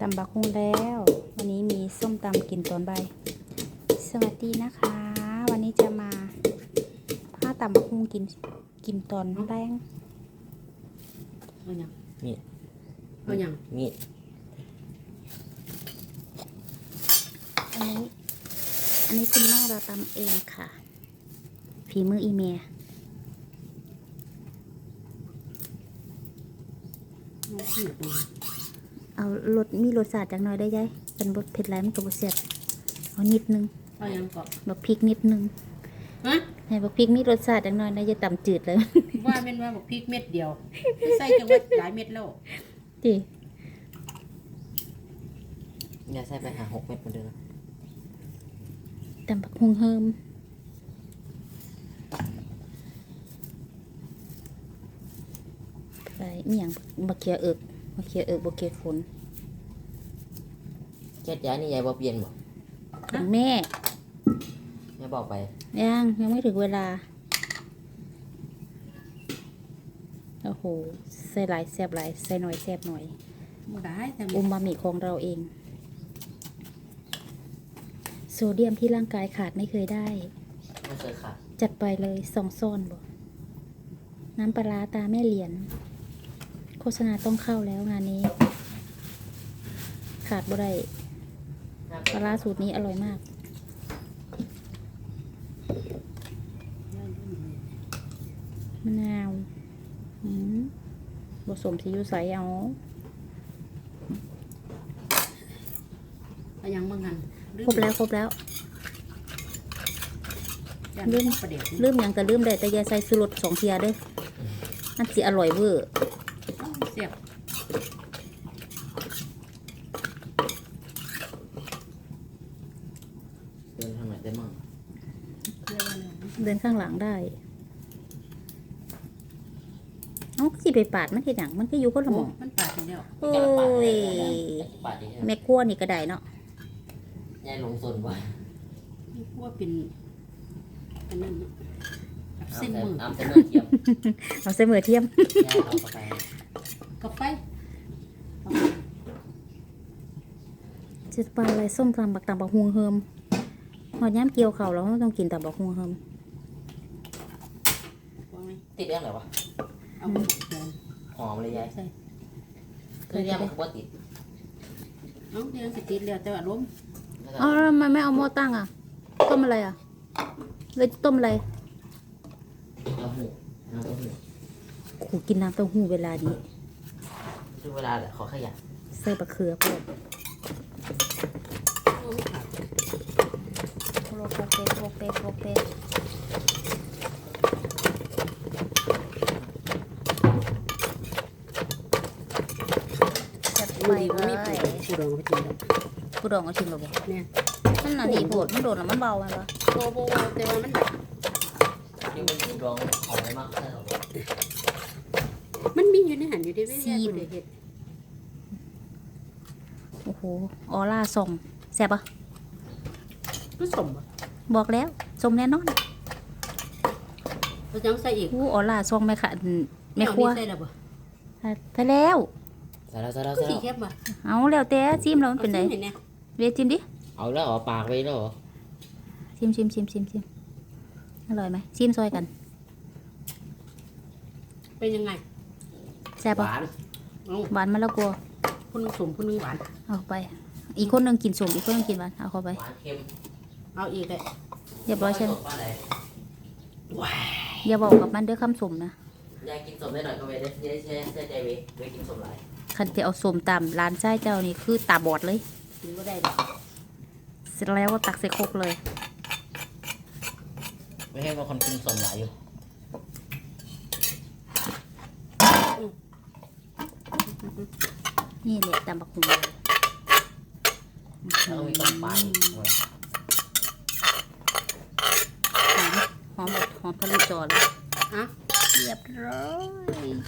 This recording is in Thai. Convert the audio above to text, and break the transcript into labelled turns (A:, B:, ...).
A: ำบักฮุงแล้ววันนี้มีส้มตำกินตอนบ่ายสวัสดีนะคะ วันนี้จะมาผ้าตำบักฮุงกินตอนแรง
B: เอาหยัง
C: มีด
B: เอาหยัง
C: มีด
A: อันนี้คุณแม่เราตำเองค่ะฝีมืออีเมีย
B: เอาขี้ดู
A: เอามีรสชาติจังหน่อยได้ยัยเป็นบดเผ็ดไรมันก็บดเสียดเอานิดนึง
B: เอาหยังก็
A: บักพริกนิดนึง
B: ฮะ
A: ให้บักพริกมีรสชาติจังหน่อยนะจะตำจืดเลย
B: ว่าแม่นว่าบอกพริกเม็ดเดียวใส่จังว่าหลายเม็ดแล้ว
A: จี
C: อย่าใส่ไปหา6 เม็ดเหมือนเดิม
A: ตำบักฮุงเฮิมใส่เมี่ยงบักเขียเอิกบักเขียฝน
C: แก๊สย้ายนี่ยายบ่เปลี่ยนบ่
A: ของแม่
C: ยายบอกไป
A: ยังไม่ถึงเวลาโอ้โหใส่หลายแซ่บหลายใส่หน่อยแซ่บหน่อย
B: มันได้แต่
A: อุมามิของเราเอง โซเดียมที่ร่างกายขาดไม่เคยได้
C: ไม่เคยขาด
A: จัดไปเลย2 ซ่อนบ่น้ำปลาร้าตาแม่เหรียญโฆษณาต้องเข้าแล้วงานนี้ ขาดบ่ได้ปลาร้าสูตรนี้อร่อยมากมะนาวผสมซีอิ๊วใสเอา
B: เอาหยังบางหัน
A: ครบแล้ว
B: ลืมประเดี๋ยว
A: ลืมหยังก็ลืมได้แต่อย่าใส่สูรส2 เทียเด้อมันสิอร่อยเวอร์
B: เสียบ
C: เดินทางไหนได้มั่ง
B: เรียกว่าอะไรนะ
A: เดินข้างหลังได้เอ้าสิไปปาดมันเฮ็ดหยังมันก็อยู่คนละห
B: โอ้
A: ม่อง
B: มันปาดอย่างเดียว
A: โอ้ย
C: ปาดดิ
A: แม่ครัวนี่ก็ได้เนาะ
C: ยายลงสนบ่
B: นี่พวกเป็นอันนั้นเนาะ
C: เอา
B: เส้น
C: แต่
B: มือ
C: เอาแต่เนื้อเทียม
A: เอาใส่มือเทียม
C: ยายเอาเข้าไป
B: กับไฟ
A: จะปลาอะไรส้มตำบักฮวงเฮิมหอดย้ำเกี่ยวเข่าวเราต้องกินแต่บักฮวงเฮิม
B: วางไหม
C: ติดเรื่องอะไรวะ
B: เอาไปเดิน
C: หอมเลยยาย
B: ใส่
C: คือเรื่องมันก็บ่ติด
B: เอาเดี๋ยวสิติดแล้วแต่ว่าล้ม
A: อ๋อแล้วทำไมไม่เอาหม้อตั้งอ่ะ ต้มอะไรอ่ะเลยต้มอะไร
C: เอาหูน้ำเต้าหู้
A: ขู่กินน้ำเต้าหู้เวลานี้
C: ดูเวลาแหละขอขยัน
A: ใส่บะเขือพวก
B: โอ้ขาด
A: โรเปจัดไป
B: มือดี
A: เล
B: ว่ามี
A: ย
B: ผู้ดองไปกินแล้ว
A: ผู้ดองเอาชิมเราบ่
B: เนี่ย
A: มันน่ะดีโผดมันโดนแล้วมันเบาไหมวะ
B: โบแต่ว่ามันแบบ
C: นี่มันถูกร้องหอมเลยมากใช่หรอ
B: มันมีอยู่ในหันอยู่ได้ไม่ได้บ่ได้เฮ็ด
A: โอ้โหออร่าส่งแซ่บปะ
B: ผสมบ่
A: บอกแล้วส่งแน่นอน
B: เราจะใส่อีก
A: อู้ออร่าส่งแม่ค่ะแม่ครัว
B: ใส่แล้วบ่
A: ไปแล้ว
C: ใส่แล้วใส่แล้ว
B: ก็
C: ใส่
B: สี
C: แล้ว
B: เข้มบ่
A: เอาแล้วแต่ซิมแล้วมันเป็นไง
B: อาสิเนี่ย
A: เวทซิมดิ
C: เอาแล้วเหรอปากไปแล้วเหรอ
A: ซิมอร่อยไหมซิมซอยกัน
B: เป็นยังไง
A: แซ่บ
C: ห
A: ปะ
C: วาน
B: เอา
A: หวานมะละกอ
B: ผู้หนึงสมผู้หนึงหวาน
A: เอาไป อีกคนหนึงกินสมอีกคนหนึงกินหวานเอาเข้าไป
C: หวานเค็ม
B: เอาอีกเลย
A: เรียบร้อยใช่ไหม
C: ว่าอะไร
B: ว้า
A: อย่าบอกกับมันเด้อคำสมนะ
C: ยายกินสมได้หน่อยก็เว้ยได้เชื่อใจเว้ยกินสมหลาย
A: คันจะเอาสมตามร้านไส้เจ้านี่คือตาบอดเลย
B: กินบ่ได้ดอก
A: เสร็จแล้วก็ตักใส่ครกเลย
C: ไม่ให้ว่าคนกินสมหลายอยู่
A: นี่แหละตำบักหุ่ง
C: แล้วก็มีต้มปลาอีกด้วย
A: หอมทะลุจอเลย
B: อ่ะ
A: เรียบร้อย